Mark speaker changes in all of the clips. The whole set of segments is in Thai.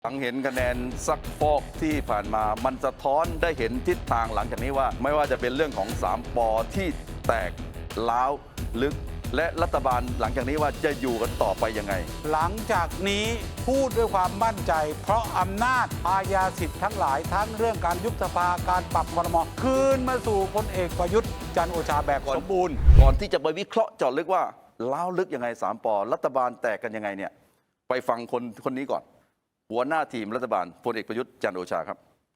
Speaker 1: หลังเห็นคะแนนซักฟอกที่ผ่านมามันสะท้อนได้เห็นทิศทางหลังจากนี้ว่าไม่ว่าจะเป็นเรื่องของ3 ป.ที่แตกล้าวลึกและรัฐบาลหลังจากนี้ว่าจะอยู่กันต่อไปยังไง
Speaker 2: หลังจากนี้พูดด้วยความมั่นใจเพราะอำนาจอาญาสิทธิ์ทั้งหลายทั้งเรื่องการยุบสภาการปรับครม.คืนมาสู่พลเอกประยุทธ์จันทร์โอชาแบบสมบูรณ์
Speaker 1: ก่อนที่จะไปวิเคราะห์เจาะลึกว่าล้าวลึกยังไง3 ป.รัฐบาลแตกกันยังไงเนี่ยไปฟังคนนี้ก่อนหัวหน้าทีมรัฐบาลพลเอกประยุทธ์จันทร์โอชาครับ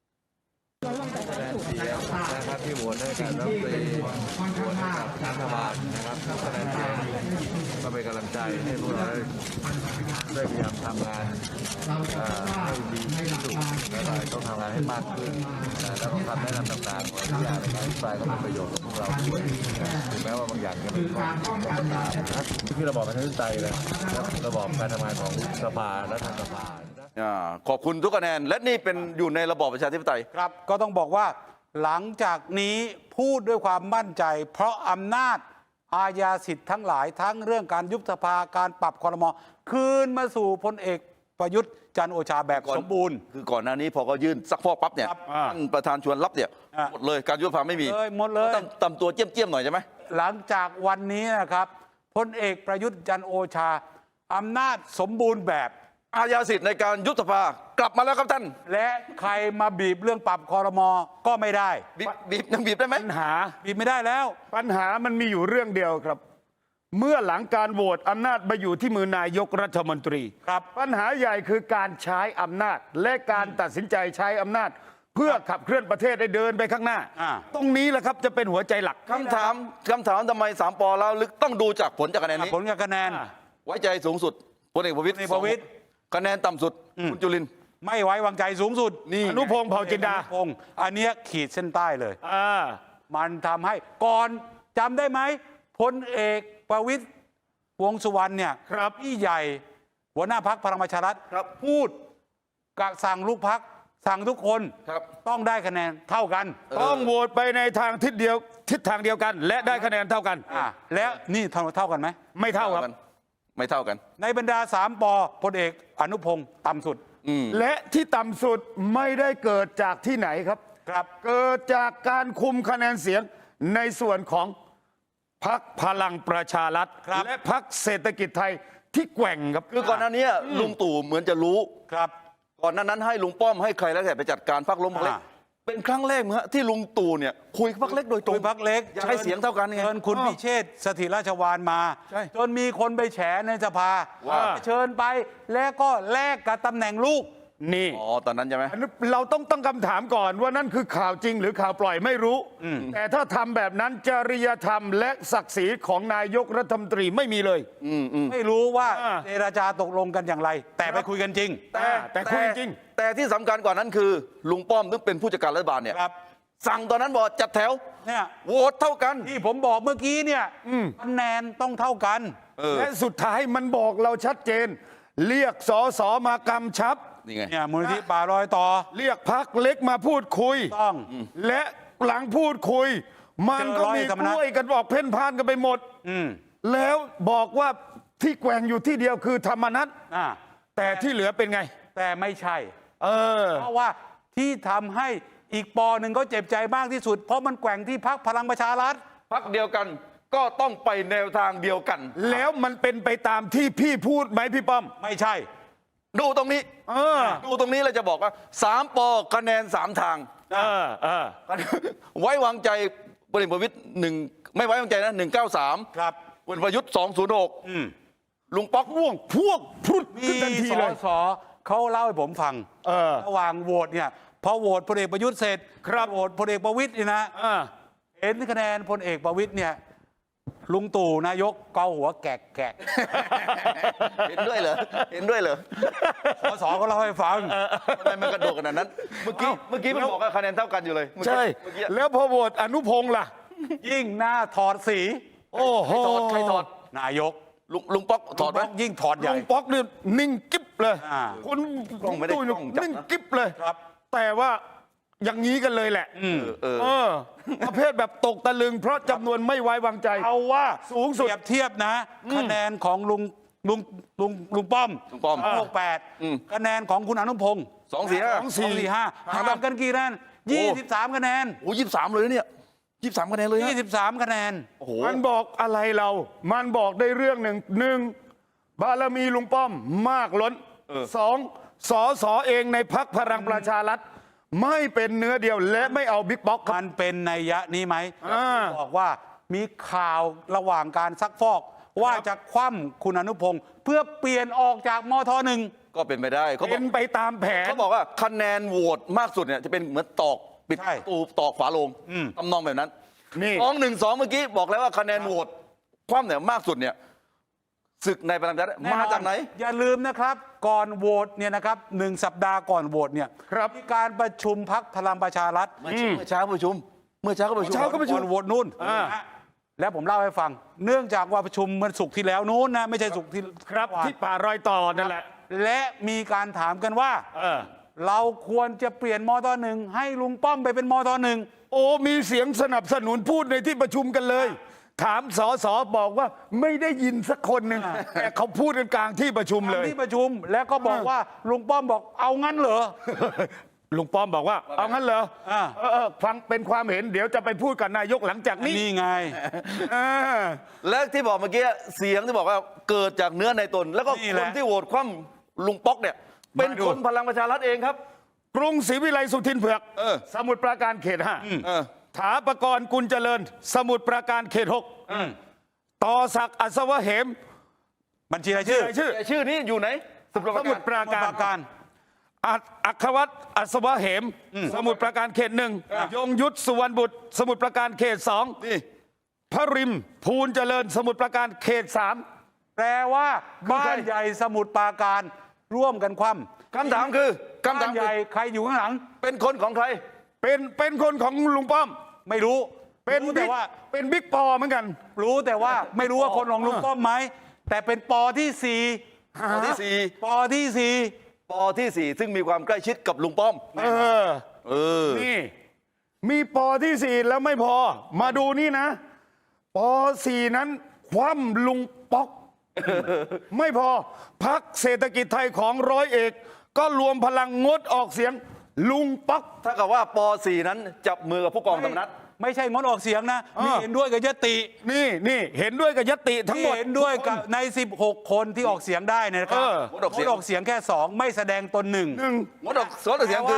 Speaker 3: เสียงนะครับที่โหวตให้กับรัฐมนตรีโหวตให้กับรัฐบาลนะครับคะแนนเสียงก็เป็นกำลังใจให้พวกเราได้พยายามทำงานให้ดีที่สุดและต้องทำงานให้มากขึ้นและต้องทำแนะนำต่างๆของทุกอย่างในการอภิปรายก็เป็นประโยชน์กับพวกเราด้วยถึงแม้ว่าบางอย่างจะเป็นข้อนะครับที่ระบอบประชาธิปไตยเลยระบอบการทำงานของสภาและทางสภา
Speaker 1: ขอบคุณทุกคะแนนและนี่เป็นอยู่ในระบอบประชาธิปไตย
Speaker 2: ครับก็ต้องบอกว่าหลังจากนี้พูดด้วยความมั่นใจเพราะอำนาจอาญาสิทธิ์ทั้งหลายทั้งเรื่องการยุบสภาการปรับครม.คืนมาสู่พลเอกประยุทธ์จันทร์โอชาแบบสมบูรณ์
Speaker 1: คือก่อนหน้านี้พอเขายื่นซักฟอกปั๊บเนี่ยท่านประธานชวนรับเนี่ยหมดเลยการยุบสภาไม่มี
Speaker 2: หมดเลย
Speaker 1: ต่ำตัวเจี้ยมๆหน่อยใช่ไหม
Speaker 2: หลังจากวันนี้นะครับพลเอกประยุทธ์จันทร์โอชาอำนาจสมบูรณ์แบบ
Speaker 1: อาญาสิทธิ์ในการยุบสภากลับมาแล้วครับท่าน
Speaker 2: และใครมาบีบเรื่องปรับครม.ก็ไม่ได้
Speaker 1: บีบยังบีบได้ไหม
Speaker 4: ปัญหา
Speaker 2: บีบไม่ได้แล้ว
Speaker 4: ปัญหามันมีอยู่เรื่องเดียวครับเมื่อหลังการโหวตอำนาจมาอยู่ที่มือนายกรัฐมนตรี
Speaker 2: ครับ
Speaker 4: ปัญหาใหญ่คือการใช้อำนาจและการตัดสินใจใช้อำนาจเพื่อขับเคลื่อนประเทศให้เดินไปข้างหน้าตรงนี้แหละครับจะเป็นหัวใจหลัก
Speaker 1: คำถามทำไม3 ป.แล้วลึกต้องดูจากผลจากคะแนนนี้
Speaker 2: ผลจากคะแนน
Speaker 1: ไว้ใจสูงสุดพลเอกประวิตรคะแนนต่ำสุดคุณจุลินทร์
Speaker 2: ไม่ไว้วางใจสูงสุด
Speaker 1: นี่
Speaker 4: อนุพงษ์เผ่าจินดา
Speaker 2: อันนี้ขีดเส้นใต้เลยมันทำให้ก่อนจำได้ไหมพลเอกประวิตรวงษ์สุวรรณเนี่ยพี่ใหญ่หัวหน้าพรรคพลังประชารัฐพูดกับสั่งลูกพรรคสั่งทุกคนต้องได้คะแนนเท่ากัน
Speaker 4: ต้องโหวตไปในทางทิศทางเดียวกันและได้คะแนนเท่ากัน
Speaker 2: แล้วนี่เท่ากันไหม
Speaker 4: ไม่เท่าครับ
Speaker 1: ไม่เท่ากัน
Speaker 2: ในบรรดา3 ป.พลเอกอนุพงษ์ต่ำสุด
Speaker 4: และที่ต่ำสุดไม่ได้เกิดจากที่ไหนครับเกิดจากการคุมคะแนนเสียงในส่วนของพรรคพลังประชารัฐและพรรคเศรษฐกิจไทยที่แกว่งครับ
Speaker 1: คือก่อนหน้านี้ลุงตู่เหมือนจะรู้
Speaker 2: ครับ
Speaker 1: ก่อนหน้านั้นให้ลุงป้อมให้ใครแล้วแต่ไปจัดการพรรคล้มพรรคเล็กเป็นครั้งแรกมั้ยที่ลุงตู่เนี่ยคุยพรรคเล็กโดยตรง
Speaker 2: พรรคเล็ก
Speaker 1: ใช้เสียงเท่ากันไง
Speaker 2: เชิญคุณพิเชษฐ์สถิรราชวานมาจนมีคนไปแฉในสภาเชิญไปแล้วก็แลกกับตำแหน่งลูก
Speaker 4: นี่
Speaker 1: ตอนนั้นใช่ไหม
Speaker 4: เราต้องตั้งคำถามก่อนว่านั่นคือข่าวจริงหรือข่าวปล่อยไม่รู้แต่ถ้าทำแบบนั้นจริยธรรมและศักดิ์ศรีของนายกรัฐมนตรีไม่มีเลย
Speaker 2: ไม่รู้ว่าเจรจาตกลงกันอย่างไรแต่ไปคุยกันจริง
Speaker 4: แต่คุยจริง
Speaker 1: แต่ที่สำคัญกว่านั้นคือลุงป้อมซึ่งเป็นผู้จัดการรัฐบาลเนี่ยสั่งตอนนั้นบอกจัดแถว
Speaker 2: เนี่ย
Speaker 1: โหวตเท่ากัน
Speaker 2: ที่ผมบอกเมื่อกี้เนี่ยคะแนนต้องเท่ากัน
Speaker 4: และสุดท้ายมันบอกเราชัดเจนเรียกสสมากำชับ
Speaker 1: นี่ไง
Speaker 2: มูลนิธิป่ารอยต่อ
Speaker 4: เรียกพรรคเล็กมาพูดคุย
Speaker 2: ต้อง
Speaker 4: และหลังพูดคุยมันก็มีกล้วยกันบอกเพ่นพ่านกันไปหมดแล้วบอกว่าที่แกว่งอยู่ที่เดียวคือธรรมนัสแต่ที่เหลือเป็นไง
Speaker 2: แต่ไม่ใช่เพราะว่าที่ทำให้อีกปอหนึ่งก็เจ็บใจมากที่สุดเพราะมันแกว่งที่พรรคพลังประชารัฐ
Speaker 1: พรรคเดียวกันก็ต้องไปแนวทางเดียวกัน
Speaker 4: แล้วมันเป็นไปตามที่พี่พูดไหมพี่ป้อม
Speaker 2: ไม่ใช่
Speaker 1: ดูตรงนี้ดูตรงนี้เราจะบอกว่า3 ป.คะแนน3 ทางไว้วางใจพลเอกประวิตร1ไม่ไว้วางใจนะ193
Speaker 2: ครับ
Speaker 1: พลประยุทธ์206ลุงป๊อก
Speaker 4: พวกพูด
Speaker 2: ขึ้นทันทีเลยสอเขาเล่าให้ผมฟังระหว่างโหวตเนี่ยพอโหวตพลเอกประยุทธ์เสร็จโหวตพลเอกประวิตรนี่นะเห็นคะแนนพลเอกประวิตรเนี่ยลุงตู่นายกเกาหัวแกก
Speaker 1: เห็นด้วยเหรอเห็นด้วยเหรอ
Speaker 2: สอเขาเล่าให้ฟัง
Speaker 1: ทำไมมันกระโดดขนาดนั้นเมื่อกี้มันบอกว่าคะแนนเท่ากันอยู่เลย
Speaker 4: ใช่แล้วพอโหวตอนุพงษ์ล่ะ
Speaker 2: ยิ่งหน้าถอดสี
Speaker 4: โอ้โห
Speaker 1: ใครถอด
Speaker 2: นายก
Speaker 1: ลุงป๊อกถอดไหม
Speaker 2: ยิ่งถอดใหญ่
Speaker 4: ลุงป๊อกนี่นิ่งกิ๊บเลยคุณตุ้ยนิ่งกิ๊บเลยแต่ว่าอย่างนี้กันเลยแหละประเภทแบบตกตะลึงเพราะจำนวนไม่ไว้วางใจ
Speaker 2: เอาว่า
Speaker 4: สูงสุด
Speaker 2: เทียบนะคะแนนของลุงป้อม
Speaker 1: ลุงป้อม
Speaker 2: 68คะแนนของคุณอนุพงศ์
Speaker 1: 245
Speaker 2: 245ห่างกันกี่คะแนน23คะแนน
Speaker 1: โอ้23เลยนะเนี่ย23คะแนนเลยฮะ
Speaker 2: 23คะแนน
Speaker 1: โอ้โห
Speaker 4: มันบอกอะไรเรา มันบอกได้เรื่องหนึ่งบารมีลุงป้อมมากล้นสองสสเองในพรรคพลังประชารัฐไม่เป็นเนื้อเดียวและไม่เอาบิ๊กบ็อกซ์ครับ
Speaker 2: มันเป็นนัยยะนี้ไหม
Speaker 4: อ่า
Speaker 2: บอกว่ามีข่าวระหว่างการซักฟอก ว่าจะคว่ำคุณอนุพงศ์เพื่อเปลี่ยนออกจากมทหนึ่ง
Speaker 1: ก็เป็นไปได้เขาบ
Speaker 4: เป็
Speaker 1: อก
Speaker 4: นไปตามแผน
Speaker 1: เขาบอกว่าคะแนนโหวตมากสุดเนี่ยจะเป็นเหมือนตอกปิด
Speaker 2: ใช่
Speaker 1: ประตูตอกฝาโลงทำนองแบบนั้น
Speaker 4: นี่
Speaker 1: 2-1-2 เมื่อกี้บอกแล้วว่าคะแนนโหวตคว่ำเนี่ยมากสุดเนี่ยศึกในพลังประชารัฐมาจากไหน
Speaker 2: อย่าลืมนะครับ ก่อนโหวตเนี่ยนะครับ1 สัปดาห์ก่อนโหวตเนี่ย
Speaker 4: ครับ
Speaker 2: มีการประชุมพักพลังประชารัฐ
Speaker 1: เมื่อเช้าประชุม เมื่อเช้าก็ประชุม
Speaker 2: ก่อนโหวตนู่นนะฮะแล้วผมเล่าให้ฟัง เนื่องจากว่าประชุมมันศุกร์ที่แล้วนู้นนะไม่ใช่ศุกร์ที่
Speaker 4: ครับ
Speaker 2: วาน
Speaker 4: ที่ป่ารอยต่อนั่นแหละ
Speaker 2: และมีการถามกันว่า เราควรจะเปลี่ยนมทหนึ่งให้ลุงป้อมไปเป็นมทหนึ่ง
Speaker 4: โอ้มีเสียงสนับสนุนพูดในที่ประชุมกันเลย ถามสสบอกว่าไม่ได้ยินสักคนหนึ่งแต่เขาพูดกันกลางที่ประชุมเลย
Speaker 2: ที่ประชุมแล้วก็บอกว่าลุงป้อมบอกเอางั้นเหรอ
Speaker 4: ลุงป้อมบอกว่า เอางั้นเหรอ
Speaker 2: อ่า
Speaker 4: ฟังเป็นความเห็นเดี๋ยวจะไปพูดกับนายกหลังจากนี้
Speaker 2: นี่ไง
Speaker 4: อ่า
Speaker 1: และที่บอกเมื่อกี้เสียงที่บอกว่าเกิดจากเนื้อในตน แล้วก็
Speaker 2: นี่
Speaker 1: ค
Speaker 2: แห
Speaker 1: น
Speaker 2: ละ
Speaker 1: ที่โหวตคว่ำลุงป๊อกเนี่ยเป็น
Speaker 4: มาดู
Speaker 1: คนพลังประชารัฐเองครับ
Speaker 4: กรุงศรีวิไลสุทินเผือก สมุทรปราการเขต
Speaker 1: เออ
Speaker 4: 5ถาปกรณ์กุลเจริญ สมุทรปราการเขต 6ต่อศักดิ์อัศวะเหม
Speaker 2: บัญชีรายชื่อ
Speaker 4: รายชื่อ
Speaker 1: แต่ชื่อนี้อยู่ไหนสมุทรป
Speaker 4: ส
Speaker 1: รา
Speaker 4: มุ
Speaker 1: กา
Speaker 4: ท
Speaker 1: ร
Speaker 4: รปราการ
Speaker 2: สมุทรปราการ
Speaker 4: อัครวัตรอัศวะเหม สมุทรปราการเขต 1ยงยุทธสุวรรณบุตร สมุทรปราการเขต 2
Speaker 1: นี่
Speaker 4: พระริมภูลเจริญ สมุทรปราการเขต 3
Speaker 2: แปลว่าบ้านใหญ่สมุทรปราการร่วมกันคว่ำ
Speaker 1: คำถามคือคำถา
Speaker 2: บ้าม นให
Speaker 1: คือ
Speaker 2: ญ่ใครอยู่ข้างหลัง
Speaker 1: เป็นคนของใคร
Speaker 4: เป็นคนของลุงป้อม
Speaker 2: ไม่รู้
Speaker 4: เป็น
Speaker 2: รู้แต่
Speaker 4: บิ๊ก
Speaker 2: ว่า
Speaker 4: เป็นบิ๊กปอเหมือนกัน
Speaker 2: รู้แต่ว่าไม่รู้ว่าคนของลุงป้อมไหมแต่เป็นปอที่สี่
Speaker 1: ปอที่สี่
Speaker 2: ปอที่สี่
Speaker 1: ปอที่สี่ซึ่งมีความใกล้ชิดกับลุงป้อม
Speaker 4: เออ
Speaker 1: เออ
Speaker 4: นี่มีปอที่ 4 แล้วไม่พอ มาดูนี่นะปอ4นั้นคว่ำลุงป๊อก ไม่พอพักเศรษฐกิจไทยของร้อยเอก ก็รวมพลังงดออกเสียงลุงป๊อก
Speaker 1: ถ้ากับว่าป .4 นั้นจับมือกับผู้กองธรรมนัฐ
Speaker 2: ไม่ใช่งดออกเสียงนะมีเห็นด้วยกับยติ
Speaker 4: นี่เห็นด้วยกับยติทั้ง
Speaker 2: ที่
Speaker 4: หมด
Speaker 2: เห็นด้วยกับใน 16 คนที่ออกเสียงได้เนยนะครับ
Speaker 1: งดออกเสียง
Speaker 2: งดออกเสียงแค่ 2 ไม่แสดงตนหนึ่ง
Speaker 4: หนึ่ง
Speaker 1: งดออกเสียง
Speaker 2: แปล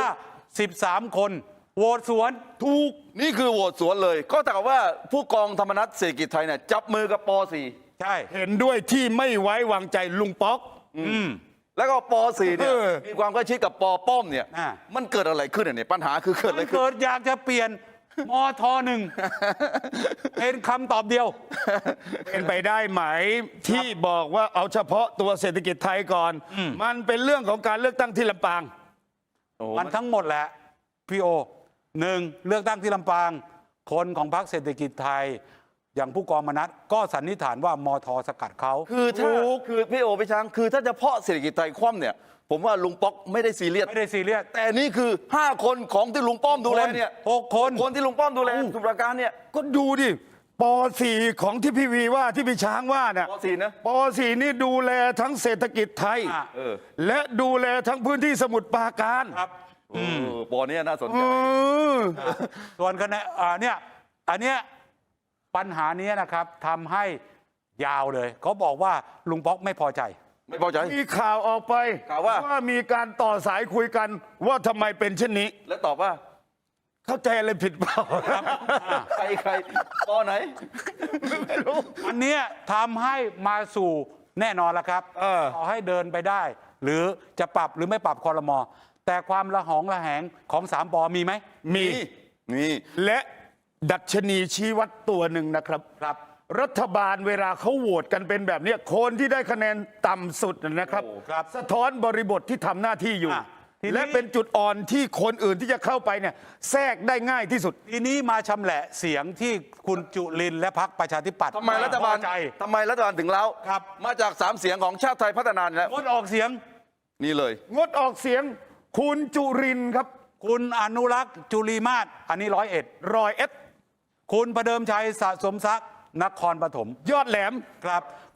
Speaker 1: คือ
Speaker 2: ว่า 13 คนโหวตสวน
Speaker 1: ถูกนี่คือโหวตสวนเลย ก็แต่ว่าผู้กองธรรมนัฐเศรษฐกิจไทยเนี่ยจับมือกับป .4
Speaker 2: ใช่
Speaker 4: เห็นด้วยที่ไม่ไว้วางใจลุงป๊อก
Speaker 1: แล้วก็ป .4 เนี่ย
Speaker 4: เออ
Speaker 1: มีความใกล้ชิดกับปป้อมเนี่ย
Speaker 2: อ่า
Speaker 1: มันเกิดอะไรขึ้นเนี่ยปัญหาคือเกิดอะไรขึ้น
Speaker 2: เกิดอยากจะเปลี่ยนมทหนึ่งเป็นคำตอบเดียว
Speaker 4: เป็นไปได้ไหมที่บอกว่าเอาเฉพาะตัวเศรษฐกิจไทยก่อน มันเป็นเรื่องของการเลือกตั้งที่ลำปาง
Speaker 2: มันทั้งหมดแหละพี่โอหนึ่งเลือกตั้งที่ลำปาง คนของพรรคเศรษฐกิจไทย อย่างผู้กองมนัสก็สันนิษฐานว่ามทสกัดเขา
Speaker 1: คือถ้าคือพี่โอพี่ช้างคือถ้าจะเพาะเศรษฐกิจไทยคว่ำเนี่ยผมว่าลุงป๊อกไม่ได้ซีเรียส
Speaker 2: ไม่ได้ซีเรียส
Speaker 1: แต่นี่คือ 5 คนของที่ลุงป้อมดูแลเนี่ย
Speaker 2: 6 คน
Speaker 1: คนที่ลุงป้อมดูแลสมุทรปราการเนี่ย
Speaker 4: ก็ดูดิป .4 ของที่พี่วีว่าที่พี่ช้างว่าเนี่ย
Speaker 1: ป .4 นะ
Speaker 4: ป .4 นี่ดูแลทั้งเศรษฐกิจไทย
Speaker 2: อ่ะ
Speaker 4: และดูแลทั้งพื้นที่สมุทรปราการ
Speaker 2: ครับ
Speaker 1: ปอเนี่ยน่าสน
Speaker 4: เอ
Speaker 1: ใจ
Speaker 4: อ
Speaker 2: ส่วนคะแนนเนี่ยอันเนี้ยปัญหานี้นะครับทำให้ยาวเลยเขาบอกว่าลุงป๊อกไม่พอใจ
Speaker 1: ไม่พอใจ
Speaker 4: มีข่าวออกไป
Speaker 1: ข่าวว่า
Speaker 4: มีการต่อสายคุยกันว่าทำไมเป็นเช่นนี้
Speaker 1: แล้วตอบว่า
Speaker 4: เข้าใจอะไรผิดเปล่า
Speaker 1: ใครปอไหน
Speaker 4: ไม่รู้
Speaker 2: อันเนี้ยทำให้มาสู่แน่นอนแล้วครับ ต่อให้เดินไปได้ หรือจะปรับหรือไม่ปรับคอรมอแต่ความระหองระแหงของ3 ปอมีไหม
Speaker 4: มี
Speaker 1: นี่
Speaker 4: และดัชนีชี้วัดตัวหนึ่งนะครับ
Speaker 2: ครับ
Speaker 4: รัฐบาลเวลาเขาโหวตกันเป็นแบบเนี้ยคนที่ได้คะแนนต่ำสุดนะครับ
Speaker 2: ครับ
Speaker 4: สะท้อนบริบทที่ทำหน้าที่อยู่
Speaker 2: อ่ะทีนี้
Speaker 4: และเป็นจุดอ่อนที่คนอื่นที่จะเข้าไปเนี่ยแทรกได้ง่ายที่สุด
Speaker 2: ทีนี้มาชำแหละเสียงที่คุณจุลินทร์และพรรคประชาธิปัตย์
Speaker 1: ทำไมรัฐบาล
Speaker 2: พอใจ
Speaker 1: ถึงแล้ว
Speaker 2: ครับ
Speaker 1: มาจาก3 เสียงของชาติไทยพัฒนานี่แหล้ว
Speaker 2: งดออกเสียง
Speaker 1: นี่เลย
Speaker 4: งดออกเสียงคุณจุรินทร์ครับ
Speaker 2: คุณอนุรักษ์จุลีมาศอันนี้101
Speaker 4: รอยเอส
Speaker 2: คุณประเดิมชัยสะสมทรัพย์นครปฐม
Speaker 4: ยอดแหลม
Speaker 2: ครับ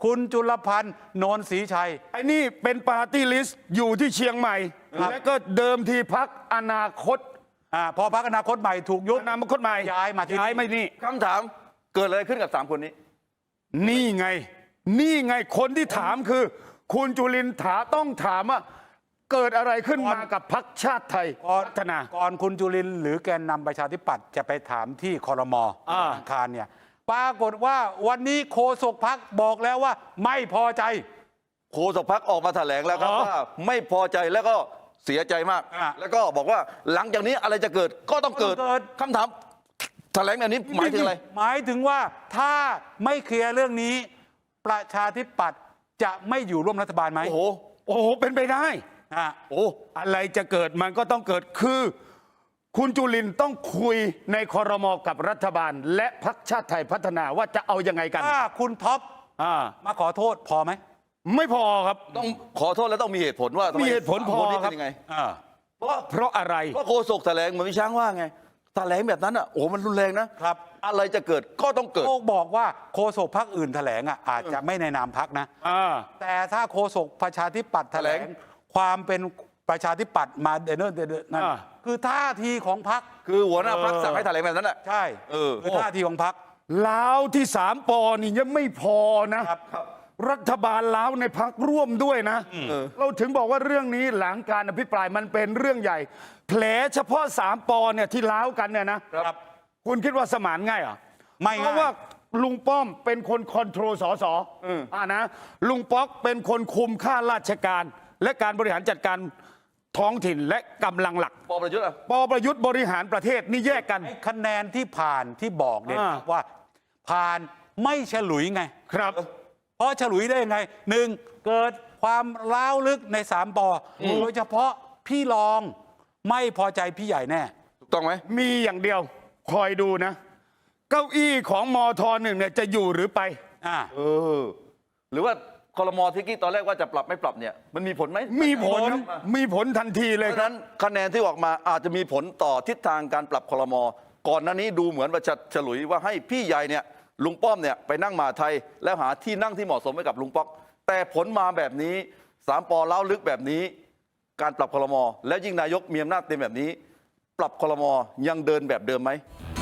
Speaker 2: คุณจุลพันธ์โนนศรีชัย
Speaker 4: ไอ้นี่เป็นปาร์ตี้ลิสต์อยู่ที่เชียงใหม่
Speaker 2: ครับ
Speaker 4: และก็เดิมทีพักอนาคต
Speaker 2: พอพรรคอนาคตใหม่ถูกยุบ
Speaker 4: อนาคตใหม่
Speaker 2: ย้ายมาที่
Speaker 4: ย้ายไม่นี่
Speaker 1: คำถามเกิดอะไรขึ้นกับ3 คนนี้
Speaker 4: นี่ไง นี่ไงคนที่ถามคือ คุณจุลินทร์ต้องถามว่าเกิดอะไรขึ้นมากับพรรคชาติไทย
Speaker 2: ก่อน
Speaker 4: พัฒนา
Speaker 2: ก่อนคุณจุลินทร์หรือแกนนำประชาธิปัตย์จะไปถามที่คอรมอ
Speaker 4: อ่า
Speaker 2: อังคารเนี่ยปรากฏว่าวันนี้โฆษกพรรคบอกแล้วว่าไม่พอใจ
Speaker 1: โฆษกพรรคออกมาแถลงแล้วครับว่าไม่พอใจแล้วก็เสียใจมาก แล้วก็บอกว่าหลังจากนี้อะไรจะเกิดก็ต้องเกิด
Speaker 2: ต้องเกิด
Speaker 1: คำถามแถลงแบบนี้หมายถึงอะไร
Speaker 2: หมายถึงว่าถ้าไม่เคลียร์เรื่องนี้ ประชาธิปัตย์จะไม่อยู่ร่วมรัฐบาลไหม
Speaker 1: โอ้โห
Speaker 4: โอ้โหเป็นไปได้
Speaker 2: อ่ะ
Speaker 1: โอ้
Speaker 4: อะไรจะเกิดมันก็ต้องเกิดคือ คุณจุลินทร์ต้องคุยในคอรมอกับรัฐบาล และพรรคชาติไทยพัฒนาว่าจะเอายังไงกัน
Speaker 2: ถ้าคุณท็อป
Speaker 4: อ่า
Speaker 2: มาขอโทษพอไหม
Speaker 4: ไม่พอครับ
Speaker 1: ต้องขอโทษแล้วต้องมีเหตุผลว่าทำไ
Speaker 4: มีเหตุผลพอ
Speaker 1: สามนนี้
Speaker 4: ครับ
Speaker 1: เป็นยังไง
Speaker 2: อ่า
Speaker 4: เพราะอะไร
Speaker 1: ก็โฆษกแถลงเหมือนพี่ช้างว่าไงแถลงแบบนั้นอ่ะโอ้โหมันรุนแรงนะครับ อะไรจะเกิดก็ต้องเกิด
Speaker 2: โอ้บอกว่าโฆษกพรรคอื่นแถลงอ่ะอาจจะไม่ในนามพรรคนะ แต่ถ้าโฆษกประชาธิปัตย์แถลง
Speaker 1: แถลง
Speaker 2: ความเป็นประชาธิปัตย์มาเดนเนอร์นั่น
Speaker 4: อ่า
Speaker 2: คือท่าทีของพรรค
Speaker 1: คือหัวหน้าพรรคสั่งให้แถลงแบบนั้นแหละ
Speaker 2: ใช่ คือท่าทีของพรรค
Speaker 4: ล้าวที่3 ปอนี่ยังไม่พอนะครับ รัฐบาลล้าวในพักร่วมด้วยนะ เราถึงบอกว่าเรื่องนี้หลังการอภิปรายมันเป็นเรื่องใหญ่ แผลเฉพาะ3 ปอเนี่ยที่ล้าวกันเนี่ยนะครับ คุณคิดว่าสมานง่ายเหรอ
Speaker 2: ไม่ง่าย
Speaker 4: เพราะว่าลุงป้อมเป็นคนคอนโทรลสสนะลุงป๊อกเป็นคนคุมข้าราชการ และการบริหารจัดการท้องถิ่นและกำลังหลัก
Speaker 1: ปประยุทธ์อ่ะ
Speaker 4: ปประยุทธ์บริหารประเทศนี่แยกกัน
Speaker 2: ไอ้คะแนนที่ผ่านที่บอกเนี่ย ว่าผ่านไม่ฉลุยไง
Speaker 4: ครับ
Speaker 2: เพราะฉลุยได้ยังไงหนึ่งเกิดความล้าวลึกใน3 ปอโดยเฉพาะพี่รองไม่พอใจพี่ใหญ่แน่
Speaker 1: ถูกต้องไหม
Speaker 4: มีอย่างเดียวคอยดูนะ เก้าอี้ของมทหนึ่งเนี่ยจะอยู่หรือไป
Speaker 1: เออ หรือว่าคอรมอที่กี้ตอนแรกว่าจะปรับไม่ปรับเนี่ยมันมีผลไหม
Speaker 4: มีผล
Speaker 1: ครับ
Speaker 4: มีผลทันที
Speaker 1: เพ
Speaker 4: เลย
Speaker 1: ราะ
Speaker 4: ค
Speaker 1: ฉะ
Speaker 4: รับ
Speaker 1: นั้นคะแนนที่ออกมาอาจจะมีผลต่อทิศทางการปรับคอรมอก่อนหน้านี้ดูเหมือนว่าจะฉลุยว่าให้พี่ใหญ่เนี่ยลุงป้อมเนี่ยไปนั่งมหาไทย แล้วหาที่นั่งที่เหมาะสมให้กับลุงป๊อก แต่ผลมาแบบนี้3 ปอเล้าลึกแบบนี้ การปรับคอรมอแล้วยิ่งนายกมีอำนาจเต็มแบบนี้ ปรับคอรมอยังเดินแบบเดิมไหม